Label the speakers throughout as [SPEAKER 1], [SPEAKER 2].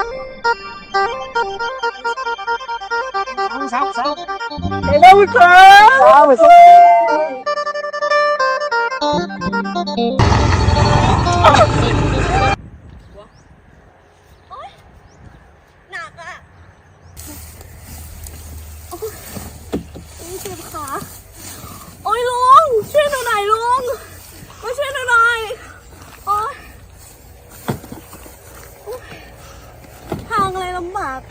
[SPEAKER 1] สาวเร็วๆครับ
[SPEAKER 2] หนักอ่ะเจ็บขาโอ้ยลุงช่วยหนูหน่อยลุงมาช่วยหนูหน่อยโอ้ยทางอะไรลำบาก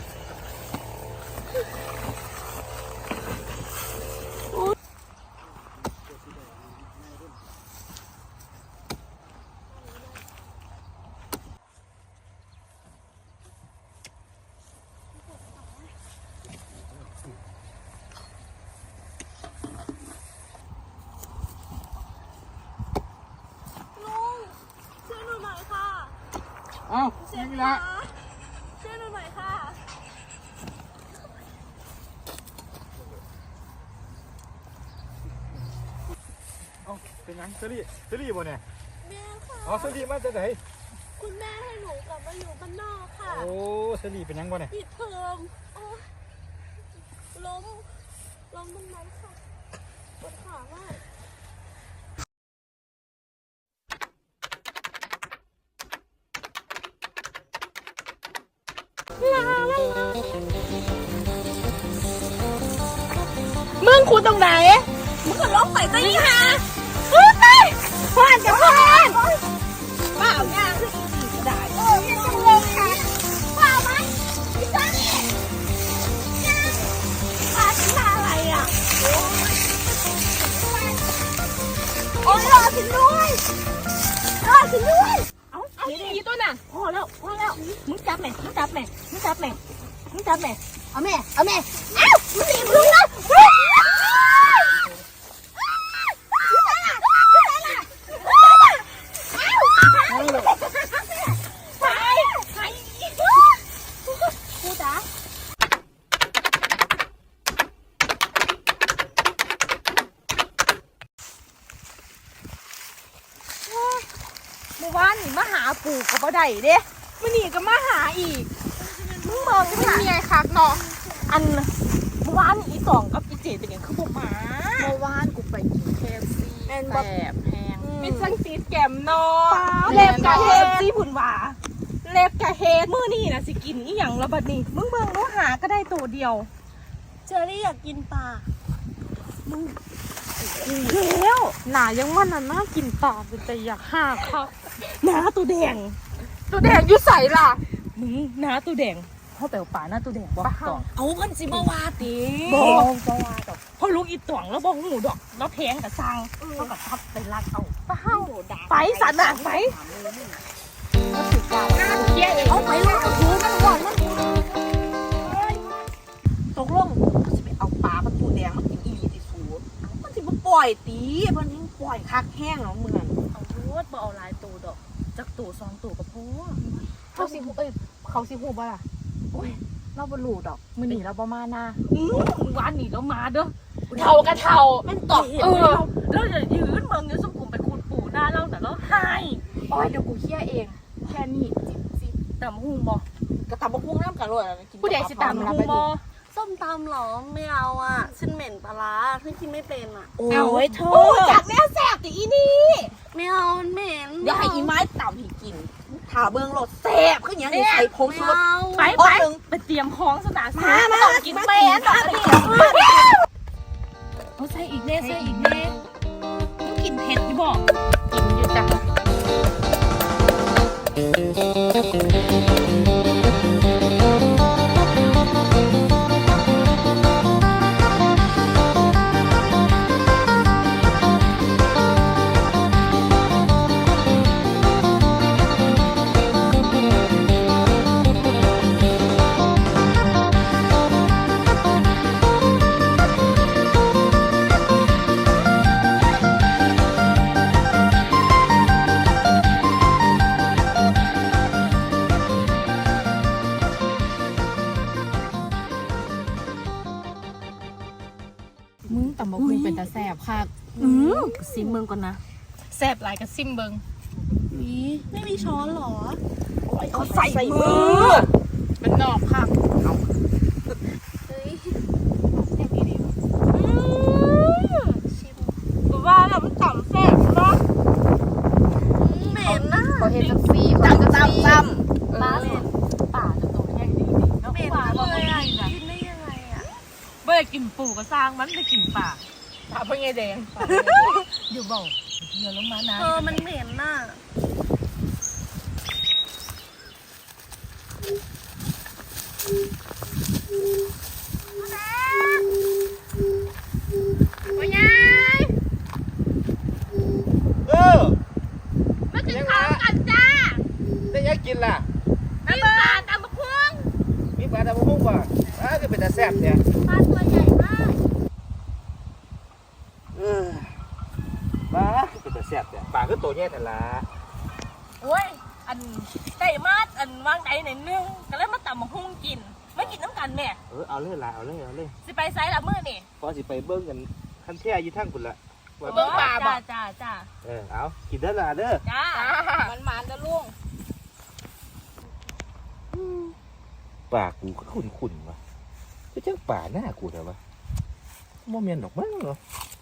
[SPEAKER 2] ช่วยหนูหน่อยค่ะ
[SPEAKER 1] เอ้า
[SPEAKER 2] เจ็บ
[SPEAKER 1] นี่
[SPEAKER 2] ขา
[SPEAKER 1] ละ
[SPEAKER 2] ช่วยหนูหน่อยค่ะ
[SPEAKER 1] เอ้าเป็นยังเซรี่บ่เนี่ย
[SPEAKER 2] แม่ค่ะ
[SPEAKER 1] อ๋อเซรี่มาจากไหน
[SPEAKER 2] คุณแม่ให้หนูกลับมาอยู่บ้านนอกค่ะ
[SPEAKER 1] โอ้เซรี่เป็นยังบ่เนี่ย
[SPEAKER 2] ปิดเทอมโอ้ยล้มตรงนั้นค่ะปวดขามากมึงคูตรงไหนมึงก็ล้มไปซะนี่ฮะเฮ้ยพอนจะพอนป้าเอาหน้าขึ้นอีกก็ได้โอ้ยยังจังเลยค่ะป้าไหมพี่ตานี่ป้าทำอะไรอ่ะโอ้ยรอฉันด้วยเอาดีตัวน่ะพอแล้วมึงจับแม่เอาแม่เอ้ามึงหนีมึงนะกูจ๋าเมื่อวานนี่มาหาปู่กับบ่ได้เด้มื้อนี้ก็มาหาอีกมึงมองมันมีไงคักเนาะอันเมื่อวานอีสองกับอีเจเป็นหยังคือบ่มา
[SPEAKER 3] เมื่อวานกูไปกิน KFC
[SPEAKER 2] แม่น
[SPEAKER 3] แส
[SPEAKER 2] บ่
[SPEAKER 3] บแพง
[SPEAKER 2] เป็นสังสีแกมเนาะเล็บกะเฮดสิผุนหว่าเล็บกะเฮดมื้อนี้นะสิกินอีหยังแล้วบัดนี้มึงเบิ่งเนาะหาก็ได้ตัวเดียวเจอรี่อยากกินปลามึงแล้ว
[SPEAKER 3] หนายังว่าน่ากินปลาเป็นแต่อยากห้าเขา
[SPEAKER 2] หน้าตัวแดง
[SPEAKER 3] ตัวแดงยุ่ใส่ล่ะ
[SPEAKER 2] มึงหน้าตัวแดงเขาแปลว่าปลาหน้าตัวแดงบ่ตอง
[SPEAKER 3] เอาเพิ่นสิมาว่าติ
[SPEAKER 2] บ่ว่าดอกพอลูกอีตวงแล้วบ่หูดอกแล้วแพงกับซังเขาก็ทับไปลักเอาไปสันน่ะไปเที่ยเอง
[SPEAKER 3] เอาไปเลยเอาถือมันก่อนมัน
[SPEAKER 4] ตกลงมันสิไปเอาปลาประตูแดงมากินอีหลีติสูมันสิบ่ปล่อยตีเพิ่นยังปล่อยคักแห้งเนาะเหมือน
[SPEAKER 2] เอาโทษบ่เอาหลายตัวดอกจักตัว2ตัวก็พอ
[SPEAKER 3] เขาสิฮู้บ่ล่ะโอ้ยเราบ่รู้ดอกมื้อนี้เราบ่มาหน้า
[SPEAKER 2] วันนี้เรามาเด้อเท่ากะเท่า
[SPEAKER 4] แม่นตอบ
[SPEAKER 2] แล้วอย่ายืนเมืองอยู่สมกุมไปคูดปู่หน้าเราแต่เราให้
[SPEAKER 3] โอ้ยเดี๋ยวกูเคลียร์เองแค่นี้จิบ
[SPEAKER 2] แต่มหูบ่
[SPEAKER 4] กระตำบักหุ่งน้ำกันเลยกิน
[SPEAKER 3] ผู้ใดสิตาม
[SPEAKER 2] หูบ่ส้มตำหรอไม่เอาอ่ะฉันเหม็นปลาร้าฉันกินไม่เป็นอ่ะ
[SPEAKER 4] โอ้ยเธอ
[SPEAKER 3] จากแม่แซ่บติอีนี่
[SPEAKER 2] ไม่เอามันเหม็น
[SPEAKER 4] เดี๋ยวให้อีไม้ต่ำให้กินถาเบิ่งรสแซ่บคือหยังนี่ใส่ผง
[SPEAKER 2] ไม่
[SPEAKER 4] ชูรส
[SPEAKER 2] เอา
[SPEAKER 4] ไป
[SPEAKER 2] ไปเตรียมของสตาร์
[SPEAKER 4] มา
[SPEAKER 2] ต้องกินเป็น
[SPEAKER 4] มา
[SPEAKER 2] เอาใส่อีกเน่ต้องกินเผ็ดอยู่บ่
[SPEAKER 3] กินอยู่จ้ะ มึงตำบักหุ่งเป็นตาแซ่บคัก
[SPEAKER 2] ซิมเมืองก่อนนะแซ่บหลายกับซิมเบิงไม่มีช้อนหรอ
[SPEAKER 4] เขาใส่มือ
[SPEAKER 3] มันนอกค่ะ
[SPEAKER 2] ว่าแล้วมันต่ำแซ่บเนาะเหม็นนะ
[SPEAKER 3] เขาเห็นจังซี่
[SPEAKER 4] ตั้มตั้มตั้ม
[SPEAKER 3] ป้าเหม็นป่าจะโตแห้งดีๆแล้ว
[SPEAKER 2] เหม็น
[SPEAKER 3] ป่า
[SPEAKER 2] เลยอ่ะ
[SPEAKER 3] กิน
[SPEAKER 2] กินได้ยังไงอ่ะ
[SPEAKER 3] เบื่อกินปูก็สร้างมันไปกินป่าป่าเพื่อไงแดงอยู่บ่เดี๋ยวลงมานะ
[SPEAKER 2] มันเหม็นน่ะพ่อยาย
[SPEAKER 1] มา
[SPEAKER 2] กินข้าวกันจ้า
[SPEAKER 1] ได้ยังกินล่ะ
[SPEAKER 2] น้ำปลาตำบักหุ่ง
[SPEAKER 1] มีปลาตะพุ่งป่ะก็เป็นตาแซ่บเนี่ย
[SPEAKER 2] ปลาตัวใหญ่มาก
[SPEAKER 1] ปลาเป็นตาแซ่บเนี่ยปลาก็ตัวใหญ่แต่ละ
[SPEAKER 2] โอ้ยอันไก่มาดอันวางไก่หน่อยนึงก็เลยมาตำบักหุ่งกินไม่กินน้ำกันแม่
[SPEAKER 1] เอาเลยล่ะเอาเลย
[SPEAKER 2] สิไปไซส์ละมื้อนี่
[SPEAKER 1] พอสิไปเบิ้งกันขั้นแท้ยี่ทั้งคุณละ
[SPEAKER 2] เบิ่งปลาบ่จ้า
[SPEAKER 1] เอากินได้ละเด้อ
[SPEAKER 2] จ้า
[SPEAKER 4] มันหมานจะล่วง
[SPEAKER 1] ปลากูก็ขุ่นว่ะจะเจ้าป่าหน้ากูเหรอวะโมเมนต์ดอกมั้งเหรอ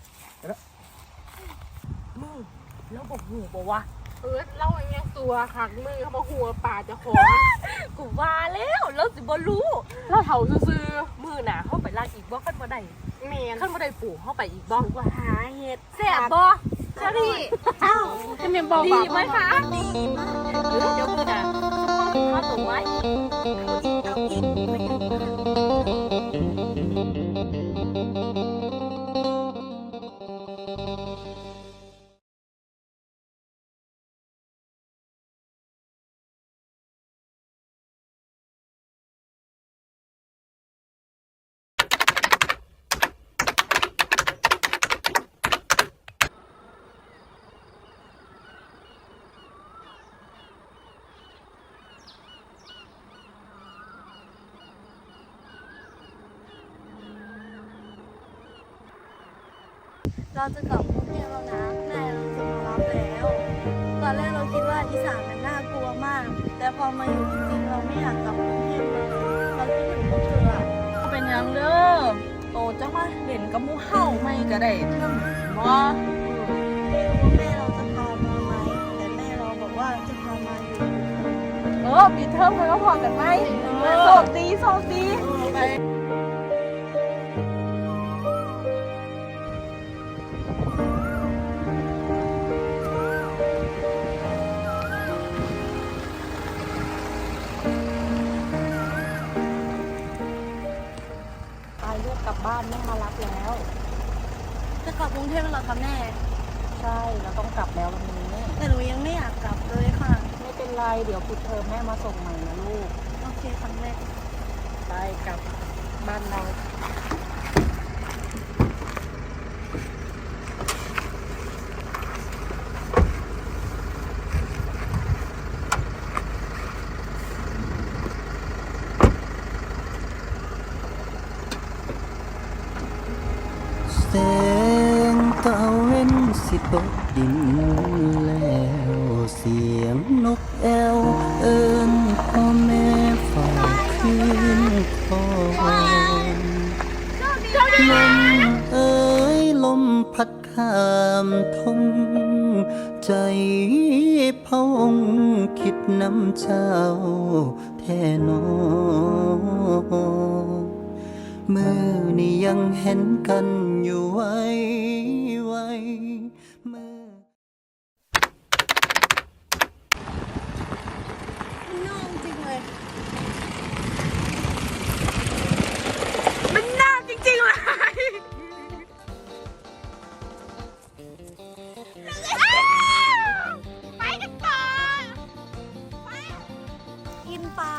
[SPEAKER 2] มึงแล้วบอกหูบอกว่า
[SPEAKER 3] เล่าอย่างเงี้ยตัวหักมือเขาบอกหัวป่าจะขอ
[SPEAKER 2] กูว่าแล้วสิบ่รู้
[SPEAKER 3] แล้วเถาซื่อ
[SPEAKER 2] มือหนาเข้าไปลากอีกบ่ขั้นบ่ได้
[SPEAKER 3] ๆเมน
[SPEAKER 2] ขั้นบ่ได้ปู่เข้าไปอีกบ่
[SPEAKER 4] ว่าหาเห็ด
[SPEAKER 2] แซ่บบ่เชอรี่
[SPEAKER 3] จะเมนบอก
[SPEAKER 2] ดีไหมคะเดี๋ยวมึงจะข้าวตัวไว้
[SPEAKER 5] เราจะกลับกรุงเทพแล้วนะแม่เราจะมารับแล้ว ตอนแรกเราคิดว่าอีสานมันน่ากลัวมาก แต่พอมาอยู่จริงๆเราไม่อยากกลับกรุงเทพเลยเราคิดถึงพวกเธออะ
[SPEAKER 2] เป็นยังเด้อโตจังมาเล่นกับหมูเห่าไม่ก็ได้เทิงบ่
[SPEAKER 5] ไม่รู้ว่าแม่เราจะพามาไหมแต่แม่เราบอกว่าจะพามาอยู่
[SPEAKER 2] ปีเทอมมันก็พอกันไหมโชคดี
[SPEAKER 5] ไป
[SPEAKER 3] ไปเลือกกลับบ้านแม่มารับแล้ว
[SPEAKER 5] จะกลับกรุงเทพแล้วเหรอคะแม่
[SPEAKER 3] ใช่เราต้องกลับแล้ววันนี้
[SPEAKER 5] แต่หนูยังไม่อยากกลับเลยค่ะ
[SPEAKER 3] ไม่เป็นไรเดี๋ยวปิดเทอมแม่มาส่งใหม่นะลูก
[SPEAKER 5] โอเคครั้งแรก
[SPEAKER 3] ไปกลับบ้านเรา
[SPEAKER 6] แสงตะเว้นสิตกดินแล้วเสียงนกแอวเอิ้นพ่อแม่ฝ่ายคืนคอยลมเอ้ยลมพัดข้ามทงใจพะวงคิดน้ำเจ้าแท่นอ มือนี่ยังเห็นกันอยู่ไว้มือ
[SPEAKER 5] น่องจริงเลย
[SPEAKER 2] มันน่าจริงๆเลย ไปกันต่อ
[SPEAKER 5] กินปลา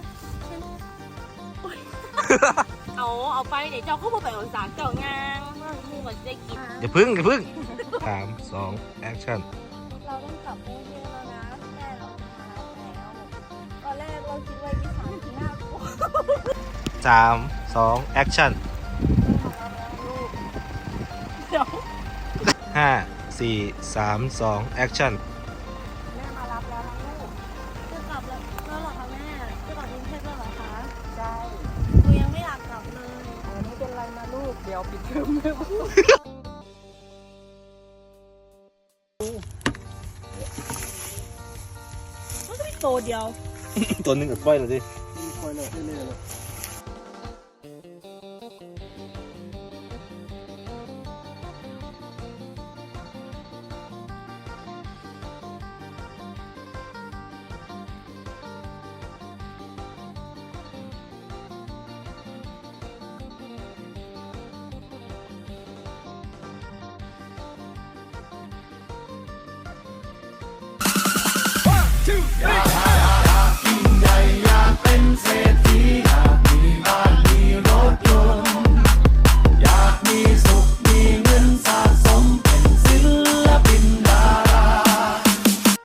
[SPEAKER 2] เอาไปเดี๋ยวเจ้าเข้ามาไปเอาสารเจ้างางเมื่อมูก็จะได้กิน
[SPEAKER 1] อย่าพึ่ง3 2 แอคชั่น
[SPEAKER 5] เราต้องกลับกรุงเทพแล้วนะแม่เราพาเราแล้วตอนแรกเราคิดว่าอีสานที่น่ากลัว
[SPEAKER 1] 3 2 แอคชั่น 5 4 3 2 แอคชั่น
[SPEAKER 5] แม่มารับแล้วนะลูกจะกลับแล้วเหรอคะแม่จะกลับกรุงเทพแล้วเหรอคะ
[SPEAKER 4] ดียวปิดเทอมเลย
[SPEAKER 2] มันก็มีตัวเดียว
[SPEAKER 1] ตัวหนึงกับปล่อยเลยดิ
[SPEAKER 6] คอยเลยเรื่อยๆ